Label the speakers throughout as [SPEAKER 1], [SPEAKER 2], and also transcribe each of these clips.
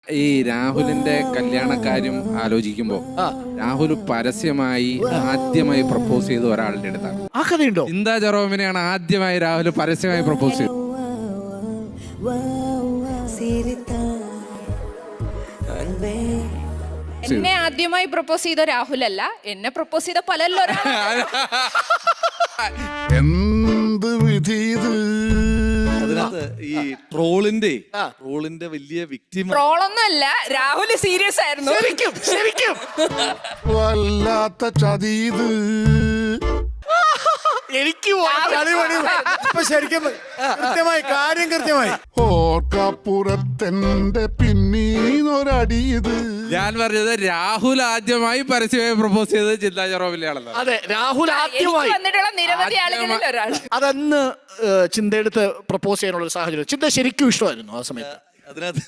[SPEAKER 1] ഈ രാഹുലിന്റെ കല്യാണക്കാര്യം ആലോചിക്കുമ്പോ രാഹുൽ പരസ്യമായി ആദ്യമായി പ്രപ്പോസ് ചെയ്ത ഒരാളുടെ അടുത്താണ്.
[SPEAKER 2] ആ കഥയുണ്ടോ?
[SPEAKER 1] ചിന്താ ജെറോമിനെയാണ് ആദ്യമായി രാഹുൽ പരസ്യമായി പ്രപ്പോസ് ചെയ്തത്.
[SPEAKER 3] എന്നെ ആദ്യമായി പ്രപ്പോസ് ചെയ്ത രാഹുലല്ല, എന്നെ പ്രപ്പോസ് ചെയ്ത പലല്ലോ.
[SPEAKER 4] എന്ത് വിധി ഇത്?
[SPEAKER 5] അതിനകത്ത് ഈ ട്രോളിന്റെ വലിയ വിക്ടിം
[SPEAKER 3] ട്രോളൊന്നുമല്ല, രാഹുൽ സീരിയസ് ആയിരുന്നു.
[SPEAKER 2] ശരിക്കും ശരിക്കും
[SPEAKER 4] വല്ലാത്ത ചതി ഇത്.
[SPEAKER 2] എനിക്ക് ശരിക്കും കൃത്യമായി കാര്യം കൃത്യമായി
[SPEAKER 4] ഓർക്കപ്പുറത്തെന്റെ പിന്നീന്നൊരടി ഇത്.
[SPEAKER 1] ഞാൻ പറഞ്ഞത് രാഹുൽ ആദ്യമായി പരസ്യമായി പ്രപ്പോസ് ചെയ്തത് ചിന്താ ജെറോമിനെയാണല്ലോ.
[SPEAKER 2] അതെ, രാഹുൽ ആദ്യമായി
[SPEAKER 3] വന്നിട്ടുള്ള നിരവധി ആളുകളിൽ ഒരാൾ.
[SPEAKER 2] അതന്ന് ചിന്തയെടുത്ത് പ്രപ്പോസ് ചെയ്യാനുള്ള ഒരു സാഹചര്യം. ചിന്ത ശരിക്കും ഇഷ്ടമായിരുന്നു ആ സമയത്ത്.
[SPEAKER 5] അതിനകത്ത്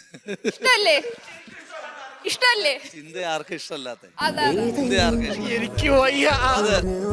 [SPEAKER 3] ഇഷ്ടല്ലേ
[SPEAKER 5] ചിന്ത ആർക്കും ഇഷ്ടമല്ലാത്ത
[SPEAKER 3] അതാണ്.
[SPEAKER 5] ചിന്ത ആർക്കും ഇഷ്ടം.
[SPEAKER 2] എനിക്ക് വയ്യ.
[SPEAKER 5] അത്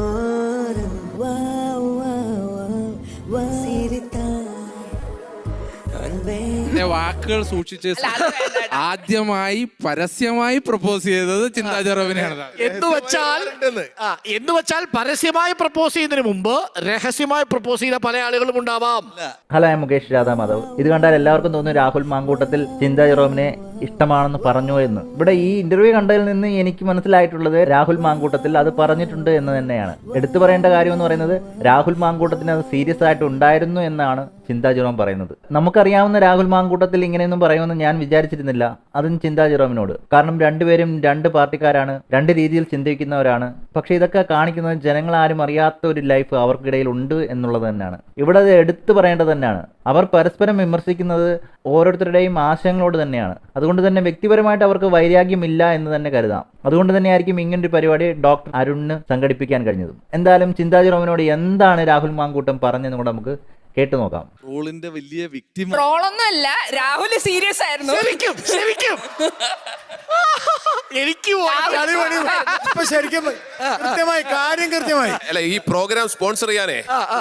[SPEAKER 1] വാക്കുകൾ സൂക്ഷിച്ച് ആദ്യമായി പരസ്യമായി പ്രപ്പോസ് ചെയ്തത് ചിന്താ ജെറോമിനെയാണ്.
[SPEAKER 2] എന്ന് വെച്ചാൽ പരസ്യമായി പ്രപ്പോസ് ചെയ്യുന്നതിന് മുമ്പ് രഹസ്യമായി പ്രപ്പോസ് ചെയ്ത പല ആളുകളും ഉണ്ടാവാം.
[SPEAKER 6] ഹലോ, ഞാൻ മുകേഷ് രാധാമാധവ്. ഇത് കണ്ടാൽ എല്ലാവർക്കും തോന്നുന്നു രാഹുൽ മാങ്കൂട്ടത്തിൽ ചിന്താ ജെറോമിനെ ഇഷ്ടമാണെന്ന് പറഞ്ഞു എന്ന്. ഇവിടെ ഈ ഇന്റർവ്യൂ കണ്ടതിൽ നിന്ന് എനിക്ക് മനസ്സിലായിട്ടുള്ളത് രാഹുൽ മാങ്കൂട്ടത്തിൽ അത് പറഞ്ഞിട്ടുണ്ട് എന്ന് തന്നെയാണ്. എടുത്തു പറയേണ്ട കാര്യം എന്ന് പറയുന്നത് രാഹുൽ മാങ്കൂട്ടത്തിന് അത് സീരിയസ് ആയിട്ട് ഉണ്ടായിരുന്നു എന്നാണ് ചിന്താ ജെറോം പറയുന്നത്. നമുക്കറിയാവുന്ന രാഹുൽ മാങ്കൂട്ടത്തിൽ ഇങ്ങനെയൊന്നും പറയുമെന്ന് ഞാൻ വിചാരിച്ചിരുന്നില്ല, അതും ചിന്താ ജെറോമിനോട്. കാരണം രണ്ടുപേരും രണ്ട് പാർട്ടിക്കാരാണ്, രണ്ട് രീതിയിൽ ചിന്തിക്കുന്നവരാണ്. പക്ഷെ ഇതൊക്കെ കാണിക്കുന്നത് ജനങ്ങൾ ആരും അറിയാത്ത ഒരു ലൈഫ് അവർക്കിടയിൽ ഉണ്ട് എന്നുള്ളത് തന്നെയാണ്. ഇവിടെ അത് എടുത്തു പറയേണ്ടത് തന്നെയാണ്. അവർ പരസ്പരം വിമർശിക്കുന്നത് ഓരോരുത്തരുടെയും ആശയങ്ങളോട് തന്നെയാണ്. അതുകൊണ്ട് തന്നെ വ്യക്തിപരമായിട്ട് അവർക്ക് വൈരാഗ്യമില്ല എന്ന് തന്നെ കരുതാം. അതുകൊണ്ട് തന്നെയായിരിക്കും ഇങ്ങനൊരു പരിപാടി ഡോക്ടർ അരുണിന് സംഘടിപ്പിക്കാൻ കഴിഞ്ഞതും. എന്തായാലും ചിന്താ ജെറോമിനോട് എന്താണ് രാഹുൽ മാങ്കൂട്ടം പറഞ്ഞതെന്ന് കൂടെ നമുക്ക് കേട്ടു നോക്കാം.
[SPEAKER 5] ട്രോളിന്റെ വലിയ വിക്ടിം
[SPEAKER 3] ട്രോളൊന്നുമല്ല, രാഹുൽ സീരിയസ് ആയിരുന്നു.
[SPEAKER 2] ശരിക്കും ശരിക്കും എനിക്ക് ശരിക്കും കൃത്യമായി കാര്യം കൃത്യമായി.
[SPEAKER 7] അല്ല, ഈ പ്രോഗ്രാം സ്പോൺസർ ചെയ്യാനേ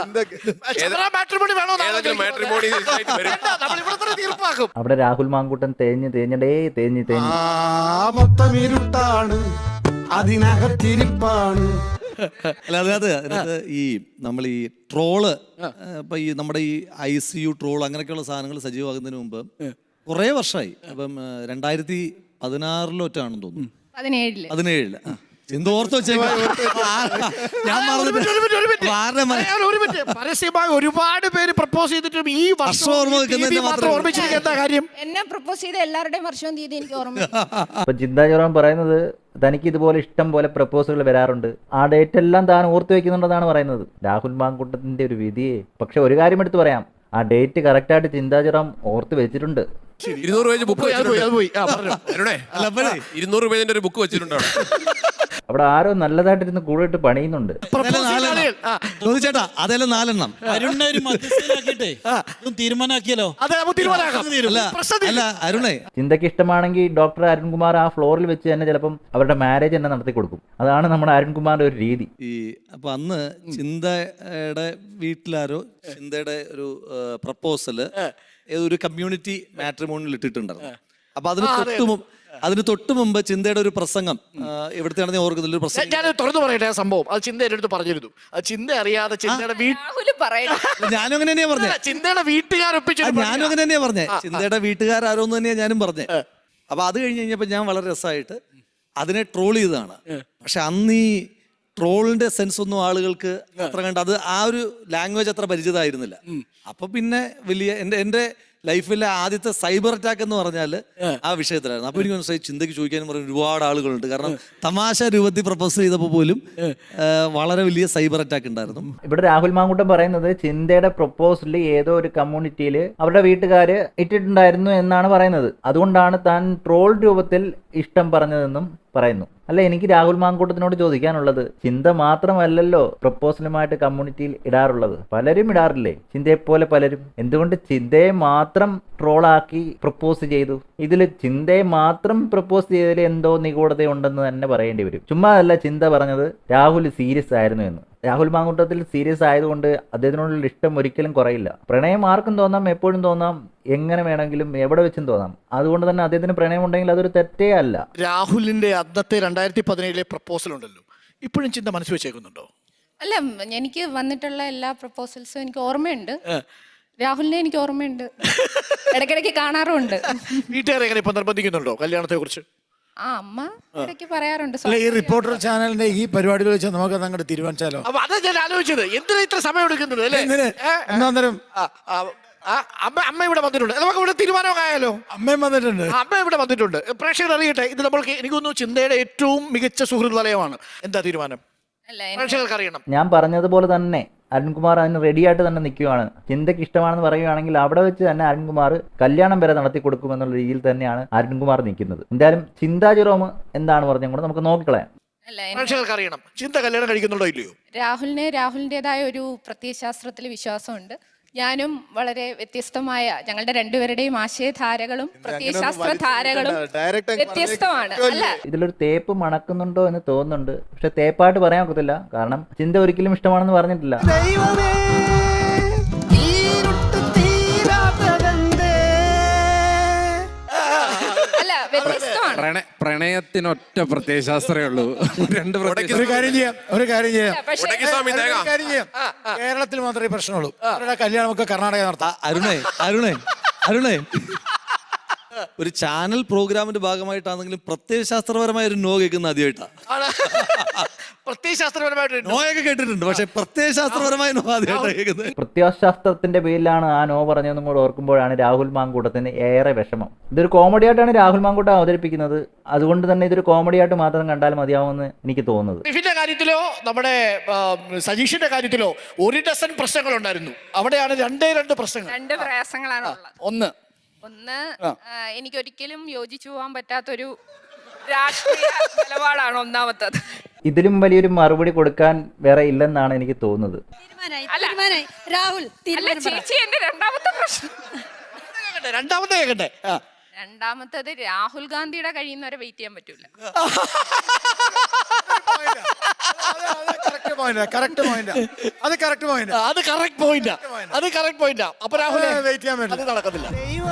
[SPEAKER 2] തീർപ്പാക്കും.
[SPEAKER 6] അവിടെ രാഹുൽ മാങ്കൂട്ടൻ തേഞ്ഞ്
[SPEAKER 4] മൊത്തമിരുട്ടാണ്, അതിനകത്തിരിപ്പാണ്.
[SPEAKER 5] അല്ല, അതിനകത്ത് ഈ നമ്മൾ ഈ ട്രോള് ഇപ്പൊ ഈ നമ്മുടെ ഈ ICU ട്രോൾ അങ്ങനെയൊക്കെയുള്ള സാധനങ്ങൾ സജീവമാകുന്നതിന് മുമ്പ് കുറേ വർഷമായി. അപ്പം 2016 തോന്നുന്നു, 17 എന്തോർത്ത് വെച്ചേക്കാം.
[SPEAKER 2] പരസ്യമായി ഒരുപാട് പേര് പ്രപ്പോസ് ചെയ്തിട്ടും ഈ വർഷം ഓർമ്മിച്ചിരിക്കുന്ന എന്താ കാര്യം?
[SPEAKER 3] എന്നെ പ്രപ്പോസ് ചെയ്ത എല്ലാവരുടെയും വർഷവും തീയതി എനിക്ക് ഓർമ്മ.
[SPEAKER 6] അപ്പൊ ചിന്താ ജെറോം പറയുന്നത് തനിക്ക് ഇതുപോലെ ഇഷ്ടം പോലെ പ്രപ്പോസലുകൾ വരാറുണ്ട്, ആ ഡേറ്റ് എല്ലാം താൻ ഓർത്തു വെക്കുന്നുണ്ടെന്നാണ് പറയുന്നത്. രാഹുൽ മാങ്കൂട്ടത്തിന്റെ ഒരു വിധിയെ. പക്ഷെ ഒരു കാര്യം എടുത്ത് പറയാം, ആ ഡേറ്റ് കറക്റ്റായിട്ട് ചിന്താ ജെറോം ഓർത്ത് വെച്ചിട്ടുണ്ട്.
[SPEAKER 7] 200 പേജ് ബുക്ക് വെച്ചിട്ടുണ്ട്. 200 പേജിന്റെ ഒരു ബുക്ക് വെച്ചിട്ടുണ്ട്.
[SPEAKER 6] അവിടെ ആരോ നല്ലതായിട്ടിരുന്ന് കൂടിയിട്ട് പണിയുന്നുണ്ട്.
[SPEAKER 5] ചേട്ടാ അതെല്ലാം 4
[SPEAKER 8] തീരുമാനാക്കിയല്ലോ.
[SPEAKER 5] അല്ല അരുണേ,
[SPEAKER 6] ചിന്തയ്ക്ക് ഇഷ്ടമാണെങ്കിൽ ഡോക്ടർ അരുൺകുമാർ ആ ഫ്ലോറിൽ വെച്ച് തന്നെ ചിലപ്പം അവരുടെ മാരേജ് തന്നെ നടത്തി കൊടുക്കും. അതാണ് നമ്മുടെ അരുൺകുമാറിന്റെ ഒരു രീതി.
[SPEAKER 5] അപ്പൊ അന്ന് ചിന്തയുടെ വീട്ടിലാരോ ചിന്തയുടെ ഒരു പ്രപ്പോസല് ഒരു കമ്മ്യൂണിറ്റി മാട്രിമോണിയിൽ ഇട്ടിട്ടുണ്ടായിരുന്നു. അപ്പൊ അതിന് തൊട്ട് മുമ്പ് ചിന്തയുടെ ഒരു പ്രസംഗം എവിടത്തെയാണെന്ന് ഓർക്കുന്നില്ല, ഒരു പ്രസംഗം.
[SPEAKER 2] ഞാൻ തുറന്നു പറയട്ടെ, സംഭവം അത് ചിന്ത എന്റെ അടുത്ത് പറഞ്ഞിരുന്നു. അത് ചിന്ത അറിയാതെ ചിന്തയുടെ
[SPEAKER 5] ഞാനും അങ്ങനെ തന്നെയാ പറഞ്ഞത്.
[SPEAKER 2] ചിന്തയുടെ വീട്ടുകാരൊപ്പിച്ചു.
[SPEAKER 5] ഞാനും അങ്ങനെ തന്നെയാ പറഞ്ഞത്. ചിന്തയുടെ വീട്ടുകാരോന്ന് തന്നെയാ ഞാനും പറഞ്ഞത്. അപ്പൊ അത് കഴിഞ്ഞ് കഴിഞ്ഞപ്പോ ഞാൻ വളരെ രസമായിട്ട് അതിനെ ട്രോൾ ചെയ്തതാണ്. പക്ഷെ അന്ന് ഈ ട്രോളിന്റെ സെൻസ് ഒന്നും ആളുകൾക്ക് അത്ര കണ്ട് അത് ആ ഒരു ലാംഗ്വേജ് അത്ര പരിചിതമായിരുന്നില്ല. അപ്പൊ പിന്നെ വലിയ എന്റെ ലൈഫിലെ ആദ്യത്തെ സൈബർ അറ്റാക്ക് എന്ന് പറഞ്ഞാൽ ആ വിഷയത്തിലായിരുന്നു. അപ്പൊ എനിക്ക് മനസ്സിലായി ചിന്തയ്ക്ക് ചോദിക്കാനും പറഞ്ഞ ഒരുപാട് ആളുകളുണ്ട്. കാരണം തമാശ രൂപത്തിൽ പ്രപ്പോസ് ചെയ്തപ്പോൾ പോലും വളരെ വലിയ സൈബർ അറ്റാക്ക് ഉണ്ടായിരുന്നു.
[SPEAKER 6] ഇവിടെ രാഹുൽ മാങ്കൂട്ടം പറയുന്നത് ചിന്തയുടെ പ്രപ്പോസലിൽ ഏതോ ഒരു കമ്മ്യൂണിറ്റിയിൽ അവരുടെ വീട്ടുകാര് ഇട്ടിട്ടുണ്ടായിരുന്നു എന്നാണ് പറയുന്നത്. അതുകൊണ്ടാണ് താൻ ട്രോൾ രൂപത്തിൽ ഇഷ്ടം പറഞ്ഞതെന്നും പറയുന്നു. അല്ല, എനിക്ക് രാഹുൽ മാങ്കൂട്ടത്തിനോട് ചോദിക്കാനുള്ളത്, ചിന്ത മാത്രമല്ലല്ലോ പ്രപ്പോസലുമായിട്ട് കമ്മ്യൂണിറ്റിയിൽ ഇടാറുള്ളത്, പലരും ഇടാറില്ലേ? ചിന്തയെപ്പോലെ പലരും. എന്തുകൊണ്ട് ചിന്തയെ മാത്രം ട്രോളാക്കി പ്രപ്പോസ് ചെയ്തു? ഇതിൽ ചിന്തയെ മാത്രം പ്രപ്പോസ് ചെയ്തതിൽ എന്തോ നിഗൂഢതയുണ്ടെന്ന് തന്നെ പറയേണ്ടി വരും. ചുമ്മാ അല്ല ചിന്ത പറഞ്ഞത് രാഹുൽ സീരിയസ് ആയിരുന്നു എന്ന്. രാഹുൽ മാങ്കൂട്ടത്തിൽ സീരിയസ് ആയതുകൊണ്ട് അദ്ദേഹത്തിനോടുള്ള ഇഷ്ടം ഒരിക്കലും കുറയില്ല. പ്രണയം ആർക്കും തോന്നാം, എപ്പോഴും തോന്നാം, എങ്ങനെ വേണമെങ്കിലും എവിടെ വെച്ചും തോന്നാം. അതുകൊണ്ട് തന്നെ അദ്ദേഹത്തിന് പ്രണയം ഉണ്ടെങ്കിൽ അതൊരു തെറ്റേ അല്ല.
[SPEAKER 2] രാഹുലിന്റെ അന്നത്തെ 2017 പ്രപ്പോസൽ ഉണ്ടല്ലോ, ഇപ്പോഴും ചിന്ത മനസ്സ് വെച്ചേക്കുന്നുണ്ടോ?
[SPEAKER 3] അല്ല, എനിക്ക് വന്നിട്ടുള്ള എല്ലാ പ്രപ്പോസൽസും എനിക്ക് ഓർമ്മയുണ്ട്. രാഹുലിനെ എനിക്ക് ഓർമ്മയുണ്ട്, ഇടയ്ക്കിടയ്ക്ക് കാണാറുമുണ്ട്.
[SPEAKER 2] വീട്ടുകാരെ എങ്ങനെ ഇപ്പൊ നിർബന്ധിക്കുന്നുണ്ടോ കല്യാണത്തെ കുറിച്ച്?
[SPEAKER 3] ആ, അമ്മ ഇടയ്ക്ക് പറയാറുണ്ട്.
[SPEAKER 8] അല്ല, ഈ റിപ്പോർട്ടർ ചാനലിന്റെ ഈ പരിപാടികൾ വെച്ചാൽ നമുക്ക് അങ്ങോട്ട് തീരുമാനിച്ചാലോ?
[SPEAKER 2] അപ്പൊ അതാ ഞാൻ ആലോചിച്ചത്, എന്തിനാ ഇത്ര സമയം എടുക്കുന്നത് അല്ലേ?
[SPEAKER 8] എന്തിന്? ഒന്നാന്തരം
[SPEAKER 2] അമ്മ ഇവിടെ വന്നിട്ടുണ്ട്, നമുക്ക് ഇവിടെ തീരുമാനമൊക്കെ ആയാലോ?
[SPEAKER 8] അമ്മയും വന്നിട്ടുണ്ട്.
[SPEAKER 2] അമ്മ ഇവിടെ വന്നിട്ടുണ്ട്. പ്രേക്ഷകർ അറിയട്ടെ, ഇത് നമ്മൾക്ക് എനിക്ക് തോന്നുന്നു ചിന്തയുടെ ഏറ്റവും മികച്ച സുഹൃത്ത് വലയമാണ്. എന്താ തീരുമാനം?
[SPEAKER 3] അല്ല,
[SPEAKER 2] പ്രേക്ഷകർക്ക് അറിയണം.
[SPEAKER 6] ഞാൻ പറഞ്ഞതുപോലെ തന്നെ അരുൺകുമാർ അതിന് റെഡിയായിട്ട് തന്നെ നിൽക്കുകയാണ്. ചിന്തയ്ക്ക് ഇഷ്ടമാണെന്ന് പറയുകയാണെങ്കിൽ അവിടെ വെച്ച് തന്നെ അരുൺകുമാർ കല്യാണം വരെ നടത്തി കൊടുക്കുമെന്നുള്ള രീതിയിൽ തന്നെയാണ് അരുൺകുമാർ നിൽക്കുന്നത്. എന്തായാലും ചിന്താ ജെറോം എന്താണ് പറഞ്ഞും കൂടെ നമുക്ക് നോക്കിക്കളയാം.
[SPEAKER 3] അല്ല,
[SPEAKER 2] പ്രേക്ഷകർക്ക് അറിയണം, ചിന്ത കല്യാണം കഴിക്കുന്നുണ്ടോ ഇല്ലയോ?
[SPEAKER 3] രാഹുലിൻ്റെതായ ഒരു പ്രത്യയശാസ്ത്രത്തിൽ വിശ്വാസമുണ്ട്. ഞാനും വളരെ വ്യത്യസ്തമായ, ഞങ്ങളുടെ രണ്ടുപേരുടെയും ആശയധാരകളും പ്രത്യയശാസ്ത്ര ധാരകളും വ്യത്യസ്തമാണ്. അല്ല,
[SPEAKER 6] ഇതിലൊരു തേപ്പ് മണക്കുന്നുണ്ടോ എന്ന് തോന്നുന്നുണ്ട്. പക്ഷെ തേപ്പായിട്ട് പറയാൻ ഒക്കത്തില്ല, കാരണം ചിന്ത ഒരിക്കലും ഇഷ്ടമാണെന്ന് പറഞ്ഞിട്ടില്ല.
[SPEAKER 3] അല്ല, വ്യത്യസ്തമാണ്.
[SPEAKER 1] പ്രണയത്തിനൊറ്റ പ്രത്യയശാസ്ത്രമേ ഉള്ളൂ. രണ്ട്
[SPEAKER 8] ഒരു കാര്യം ചെയ്യാം.
[SPEAKER 3] പക്ഷേ
[SPEAKER 8] കേരളത്തിൽ മാത്രമേ പ്രശ്നമുള്ളൂ. അവരുടെ കല്യാണമൊക്കെ കർണാടക നടത്താം.
[SPEAKER 5] അരുണേ ഒരു ചാനൽ പ്രോഗ്രാമിന്റെ ഭാഗമായിട്ടാണെങ്കിലും പ്രത്യയശാസ്ത്രപരമായ ഒരു നോ കേൾക്കുന്ന ആദ്യമായിട്ടാണ്.
[SPEAKER 2] പ്രത്യയശാസ്ത്രപരമായിട്ട്
[SPEAKER 5] നോയൊക്കെ കേട്ടിട്ടുണ്ട്, പക്ഷെ പ്രത്യയശാസ്ത്രപരമായ നോ ആദ്യമായിട്ടാണ് കേൾക്കുന്നത്.
[SPEAKER 6] പ്രത്യയശാസ്ത്രത്തിന്റെ പേരിലാണ് ആ നോ പറഞ്ഞതെന്നും കൂടെ ഓർക്കുമ്പോഴാണ് രാഹുൽ മാങ്കൂട്ടത്തിന് ഏറെ വിഷമം. ഇതൊരു കോമഡി ആയിട്ടാണ് രാഹുൽ മാങ്കൂട്ടം അവതരിപ്പിക്കുന്നത്. അതുകൊണ്ട് തന്നെ ഇതൊരു കോമഡി ആയിട്ട് മാത്രം കണ്ടാൽ മതിയാവുമെന്ന് എനിക്ക് തോന്നുന്നത്.
[SPEAKER 2] ടിഫിന്റെ കാര്യത്തിലോ നമ്മുടെ സജീഷിന്റെ കാര്യത്തിലോ 1 ഡസൻ പ്രശ്നങ്ങൾ ഉണ്ടായിരുന്നു. അവിടെയാണ് രണ്ട് പ്രശ്നങ്ങൾ,
[SPEAKER 3] 2 പ്രയാസങ്ങളാണ് ഉള്ളത്.
[SPEAKER 2] ഒന്ന്
[SPEAKER 3] എനിക്കൊരിക്കലും യോജിച്ചു പോകാൻ പറ്റാത്തൊരു രാഷ്ട്രീയ നിലപാടാണ് ഒന്നാമത്തത്.
[SPEAKER 6] ഇതിലും വലിയൊരു മറുപടി കൊടുക്കാൻ വേറെ ഇല്ലെന്നാണ് എനിക്ക് തോന്നുന്നത്.
[SPEAKER 3] രാഹുൽ, ചേച്ചി എന്റെ രണ്ടാമത്തെ പ്രശ്നം.
[SPEAKER 2] രണ്ടാമത്തെ കേൾക്കട്ടെ.
[SPEAKER 3] രണ്ടാമത്തത് രാഹുൽ ഗാന്ധിയുടെ കഴിയുന്നവരെ വെയിറ്റ് ചെയ്യാൻ പറ്റൂല.
[SPEAKER 2] അത് കറക്റ്റ് പോയിന്റാ. അപ്പൊ രാഹുൽ വെയിറ്റ് ചെയ്യാൻ വേണ്ടി അത് നടക്കത്തില്ല.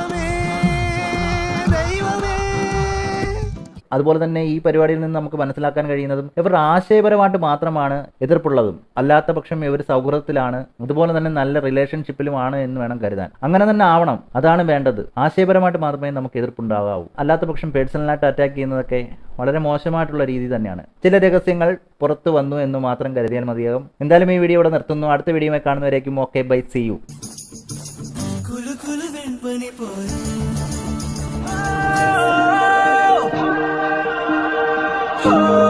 [SPEAKER 6] അതുപോലെ തന്നെ ഈ പരിപാടിയിൽ നിന്ന് നമുക്ക് മനസ്സിലാക്കാൻ കഴിയുന്നതും ഇവർ ആശയപരമായിട്ട് മാത്രമാണ് എതിർപ്പുള്ളതും, അല്ലാത്ത പക്ഷം ഇവർ സൗഹൃദത്തിലാണ്, അതുപോലെ തന്നെ നല്ല റിലേഷൻഷിപ്പിലുമാണ് എന്ന് വേണം കരുതാൻ. അങ്ങനെ തന്നെ ആവണം, അതാണ് വേണ്ടത്. ആശയപരമായിട്ട് മാത്രമേ നമുക്ക് എതിർപ്പുണ്ടാകാവൂ. അല്ലാത്ത പക്ഷം പേഴ്സണലായിട്ട് അറ്റാക്ക് ചെയ്യുന്നതൊക്കെ വളരെ മോശമായിട്ടുള്ള രീതി തന്നെയാണ്. ചില രഹസ്യങ്ങൾ പുറത്തു വന്നു എന്ന് മാത്രം കരുതിയാൽ മതിയാകും. എന്തായാലും ഈ വീഡിയോ ഇവിടെ നിർത്തുന്നു. അടുത്ത വീഡിയോയുമായി കാണുന്നവരേക്കും ഓക്കെ, ബൈ, സീ യു.